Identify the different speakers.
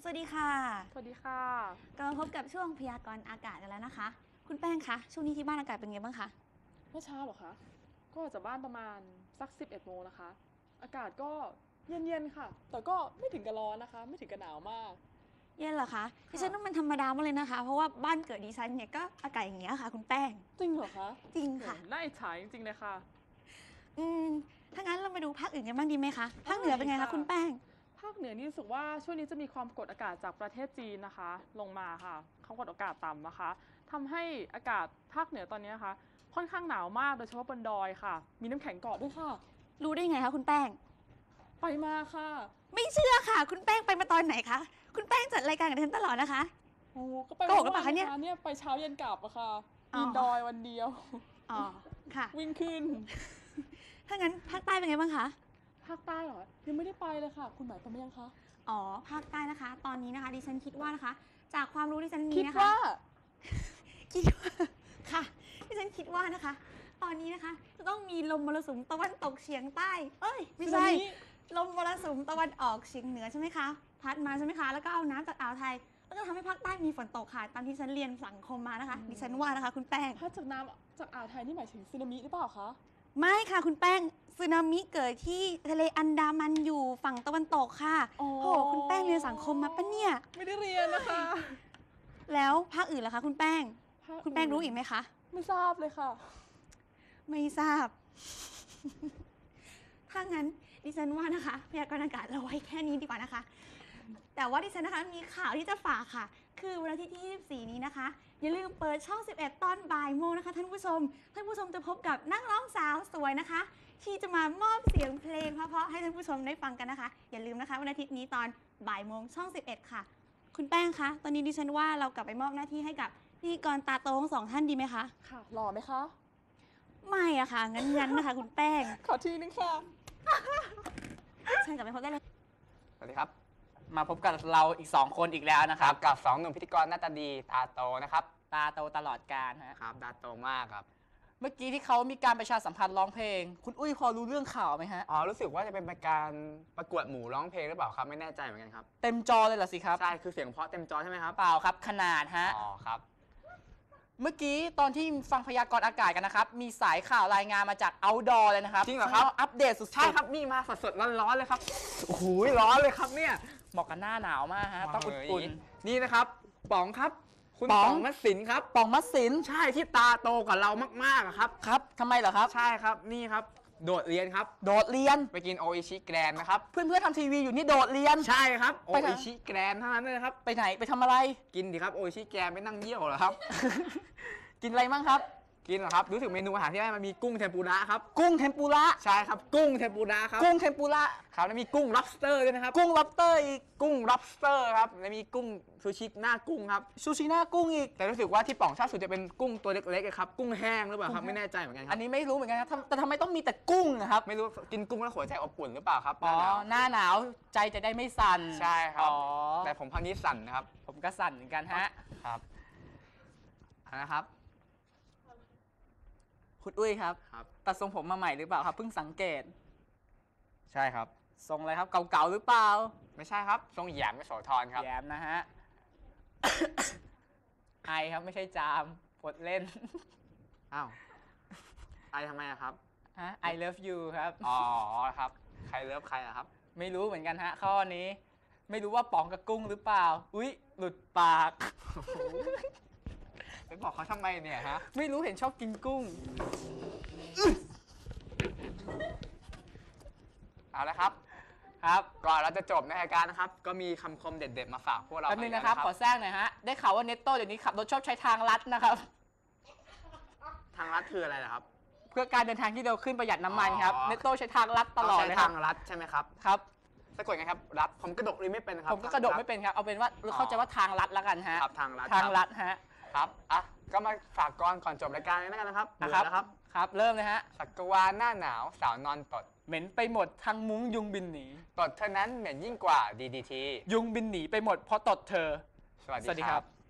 Speaker 1: สวัสดีค่ะ
Speaker 2: สวัสดีค่ะ
Speaker 1: กลับมาพบกับช่วงพยากรณ์อากาศกันแล้วนะคะ คุณแป้งคะช่วงนี้ที่บ้านอากาศเป็นไงบ้างคะ
Speaker 2: เมื่อเช้าเหรอคะก็ออกจากบ้านประมาณสัก11 โมงนะคะอากาศก็เย็นๆค่ะแต่ก็ไม่ถึงกับร้อนนะคะไม่ถึงกับหนาวมาก
Speaker 1: เย็นเหรอคะดิฉันว่ามันธรรมดามากเลยนะคะเพราะว่าบ้านเกิดดิฉันเนี่ยก็อากาศอย่างเงี้ยค่ะคุณแป้ง
Speaker 2: จริงเหรอคะ
Speaker 1: จริงค่ะ
Speaker 2: น่าอิจฉาจริงๆเลยค่ะ
Speaker 1: อืมถ้างั้นเรามาดูภาคอื่นกันบ้างดีไหมคะภาคเหนือเป็นไงคะคุณแป้ง
Speaker 2: ภาคเหนือนี่รู้สึกว่าช่วงนี้จะมีความกดอากาศจากประเทศจีนนะคะลงมาค่ะความกดอากาศต่ำนะคะทำให้อากาศภาคเหนือตอนนี้นะคะค่อนข้างหนาวมากโดยเฉพาะบนดอยค่ะมีน้ำแข็งเกาะด้วยค่ะ
Speaker 1: รู้ได้ไงคะคุณแป้ง
Speaker 2: ไปมาค่ะ
Speaker 1: ไม่เชื่อค่ะคุณแป้งไปมาตอนไหนคะคุณแป้งจัดรายการกับดิฉันตลอดนะคะ
Speaker 2: โอ้ก็ไป
Speaker 1: โกหกหรือเปล่าคะเนี่ย
Speaker 2: เนี่ยไปเช้าเย็นกลับอะค่ะ
Speaker 1: อ๋อ
Speaker 2: ปีนดอยวันเดียว
Speaker 1: อ๋อค่ะ
Speaker 2: วิ่งขึ้น
Speaker 1: ถ้างั้นภาคใต้เป็นไงบ้างคะ
Speaker 2: ภาคใต้เหรอ ยังไม่ได้ไปเลยค่ะ คุณหมายไปไหมยังคะ
Speaker 1: อ๋อภาคใต้นะคะ ตอนนี้นะคะดิฉันคิดว่านะคะ จากความรู้ที่ฉันมี
Speaker 2: คิด
Speaker 1: นะคะ
Speaker 2: ว่า
Speaker 1: คิดว่าค่ะที่ฉันคิดว่านะคะ ตอนนี้นะคะจะต้องมีลมมรสุมตะวันตกเฉียงใต้ เอ้ยไม่ใช่
Speaker 2: สึนามิ
Speaker 1: ลมมรสุมตะวันออกเฉียงเหนือใช่ไหมคะพัดมาใช่ไหมคะแล้วก็เอาน้ำจากอ่าวไทยแล้วก็ทำให้ภาคใต้มีฝนตกค่ะตามที่ฉันเรียนสังคมมานะคะดิฉันว่านะคะคุณแป้ง
Speaker 2: พัดจากน้ำจากอ่าวไทยนี่หมายถึงสึนามิหรือเปล่าคะ
Speaker 1: ไม่ค่ะคุณแป้งสึนามิเกิดที่ทะเลอันดามันอยู่ฝั่งตะวันตกค่ะ
Speaker 2: อ๋อ
Speaker 1: โหคุณแป้งเรียนสังคมมาปะเนี่ย
Speaker 2: ไม่ได้เรียนนะคะ
Speaker 1: แล้วภาคอื่นล่ะคะคุณแป้ง
Speaker 2: ภา
Speaker 1: คุณแป้งรู้อีกไหมคะ
Speaker 2: ไม่ทราบเลยค่ะ
Speaker 1: ไม่ทราบ ถ้างั้นดิฉันว่านะคะพยากรณ์อากาศเราไว้แค่นี้ดีกว่านะคะ แต่ว่าดิฉันนะคะมีข่าวที่จะฝากค่ะ คือวันอาทิตย์ที่ 24 นี้นะคะ อย่าลืมเปิดช่อง 11 ตอนบ่ายโมงนะคะท่านผู้ชม ท่านผู้ชมจะพบกับนักร้องสาวสวยนะคะ ที่จะมามอบเสียงเพลงเพราะๆให้ท่านผู้ชมได้ฟังกันนะคะ อย่าลืมนะคะวันอาทิตย์นี้ตอนบ่ายโมงช่อง 11 ค่ะ คุณแป้งคะ ตอนนี้ดิฉันว่าเรากลับไปมอบหน้าที่ให้กับพิธีกรตาโตทั้งสองท่านดีไหมคะ
Speaker 2: ค่ะ หล่อไหมคะ
Speaker 1: ไม่อะค่ะ งั้นนะคะคุณแป้ง
Speaker 2: ขอทีนึงค่ะ
Speaker 1: เชิญกลับไปพบได้เลย
Speaker 3: สวัสดีครับ มาพบกับเราอีก2คนอีกแล้วนะครับ
Speaker 4: กับ2หนุ่มพิธีกรหน้าตาดีตาโตนะครับ
Speaker 3: ตาโตตลอดกาลฮะ
Speaker 4: ครับตาโตมากครับ
Speaker 3: เมื่อกี้ที่เขามีการประชาสัมพันธ์ร้องเพลง คุณอุ้ยพอรู้เรื่องข่าวไหมฮะ
Speaker 4: อ๋อรู้สึกว่าจะเป็นการประกวดหมู่ร้องเพลงหรือเปล่าครับไม่แน่ใจเหมือนกันครับ
Speaker 3: เต็มจอเลยเหรอสิครับ
Speaker 4: ใช่คือเสียงเพราะเต็มจอใช่ไหมครับ
Speaker 3: เปล่าครับขนาดฮะ
Speaker 4: อ๋อครับ
Speaker 3: เมื่อกี้ตอนที่ฟังพยากรณ์อากาศกันนะครับ มีสายข่าวรายงานมาจาก outdoor เลยนะครับ
Speaker 4: จริงเหรอครับ
Speaker 3: อัปเดตสุดๆ
Speaker 4: ใช่ครับนี่มาสดๆร้อนๆเลยครับโอ้โหร้อนเลยครับเนี่ย
Speaker 3: เหมาะกับหน้าหนาวมากฮะ ต้องอุ่น
Speaker 4: นี่นะครับป๋องครับ คุณ
Speaker 3: ป๋อง
Speaker 4: ป๋องมัดสินครับ
Speaker 3: ๆป่องมัดสิน
Speaker 4: ใช่ที่ตาโตกว่าเรามากๆอะครับ
Speaker 3: ครับทำไมเหรอครับ
Speaker 4: ใช่ครับนี่ครับโดดเรียนครับ
Speaker 3: โดดเรียน
Speaker 4: ไปกินโออิชิแกรนนะครับ
Speaker 3: เพื่อนๆทำทีวีอยู่นี่โดดเรียน
Speaker 4: ใช่ครับโอ
Speaker 3: ไปไหน
Speaker 4: อิชิแกรนเท่านั้นเลยนะครับ
Speaker 3: ไปไหนไปทำอะไร
Speaker 4: กินดิครับโออิชิแกรนไม่นั่งเยี่ยวเหรอครับ
Speaker 3: กินอะไรมั่งครับ
Speaker 4: กินเหรอครับรู้สึกเมนูอาหารที่ได้มันมีกุ้งเทมปุระครับ
Speaker 3: กุ้งเทมปุระ
Speaker 4: ใช่ครับกุ้งเทมปุระครับ
Speaker 3: กุ้งเทมปุระ
Speaker 4: ครับแล้วมีกุ้ง lobster ด้วยนะครับ
Speaker 3: กุ้ง lobster อีก
Speaker 4: กุ้ง lobster ครับแล้วมีกุ้งซูชิหน้ากุ้งครับ
Speaker 3: ซูชิหน้ากุ้งอีก
Speaker 4: แต่รู้สึกว่าที่ป่องชอบสุดจะเป็นกุ้งตัวเล็กๆอะครับกุ้งแห้งหรือเปล่าครับไม่แน่ใจเหมือนกันค
Speaker 3: อั
Speaker 4: รับ
Speaker 3: นนี้ไม่รู้เหมือนกันครับแต่ทำไมต้องมีแต่กุ้งนะครับ
Speaker 4: ไม่รู้กินกุ้งแล้วหัวใจอบอุ่นหรือเปล่าครับ
Speaker 3: อ๋อ หน้าหนาวใจจะได้ไม่สั่น
Speaker 4: ใช่ครับ
Speaker 3: อ๋อ
Speaker 4: แต่ผมพักนี้สั่นนะครับ
Speaker 3: ผมก็สั่นเหมือนกันฮะ
Speaker 4: ครับนะครับ
Speaker 3: คุณอุ้ยครับ
Speaker 4: ครับ
Speaker 3: ตัดทรงผมมาใหม่หรือเปล่าครับ เพิ่งสังเกต
Speaker 4: ใช่ครับ
Speaker 3: ทรงอะไรครับ เก่าๆหรือเปล่า
Speaker 4: ไม่ใช่ครับทรงหยามไม่โสธรครับ
Speaker 3: แย้มนะฮะ ไอครับไม่ใช่จามปดเล่น
Speaker 4: อ้าวไอทำไมอะครับ
Speaker 3: ฮะ I love you ครับ
Speaker 4: อ๋อครับใครเลิฟใครอะครับ
Speaker 3: ไม่รู้เหมือนกันฮะ ข้อนี้ ไม่รู้ว่าป๋องกับกุ้งหรือเปล่า อุ๊ย หลุดปาก
Speaker 4: ไปบอกเขาทำไมเนี่ยฮะ
Speaker 3: ไม่รู้เห็นชอบกินกุ้ง
Speaker 4: เอาละครับ
Speaker 3: ครับ
Speaker 4: ก่อนเราจะจบในรายการนะครับ ก็มีคำคมเด็ดๆมาฝากพวกเรา
Speaker 3: แป๊บนึงนะครับ ขอ
Speaker 4: กั
Speaker 3: แทรกหน่อยฮะ ได้ข่าวว่าเนตโต้เดี๋ยวนี้ขับรถชอบใช้ทางลัดนะครับ
Speaker 4: ทางลัดคืออะไรล่ะครับ
Speaker 3: เพื่อการเดินทางที่เร็วขึ้นประหยัดน้ำมันครับ
Speaker 4: อ๋อ
Speaker 3: เนตโต้ใช้ทางลัดตลอด
Speaker 4: ใช้
Speaker 3: เลยค
Speaker 4: ทา
Speaker 3: รับ
Speaker 4: งลัดใช่ไหมครับ
Speaker 3: ครับ
Speaker 4: สะกดไงครับรัดผมกระดกเลยไม่เป็นครับ
Speaker 3: ผมก็กระโดดไม่เป็นครับ เอาเป็นว่าเข้าใจว่าทางลัดแล้วกันฮะ
Speaker 4: ครับทางลัด
Speaker 3: ทางลัดฮะ
Speaker 4: ครับอ่ะก็มาฝากก่อนจบรายการนี้แล้วกันนะครับ
Speaker 3: นะครับ
Speaker 4: เบื่อแล้วครับ
Speaker 3: ครับ เริ่มเลยฮะ
Speaker 4: สักวาหน้าหนาวสาวนอนตด
Speaker 3: เหม็นไปหมดทางมุ้งยุงบินหนี
Speaker 4: ตดเท่านั้นเหม็นยิ่งกว่า DDT
Speaker 3: ยุงบินหนีไปหมดเพราะตดเธอ
Speaker 4: สวัส
Speaker 3: สวัสดี
Speaker 4: ดี
Speaker 3: ค
Speaker 4: ค
Speaker 3: รั
Speaker 4: รับ บ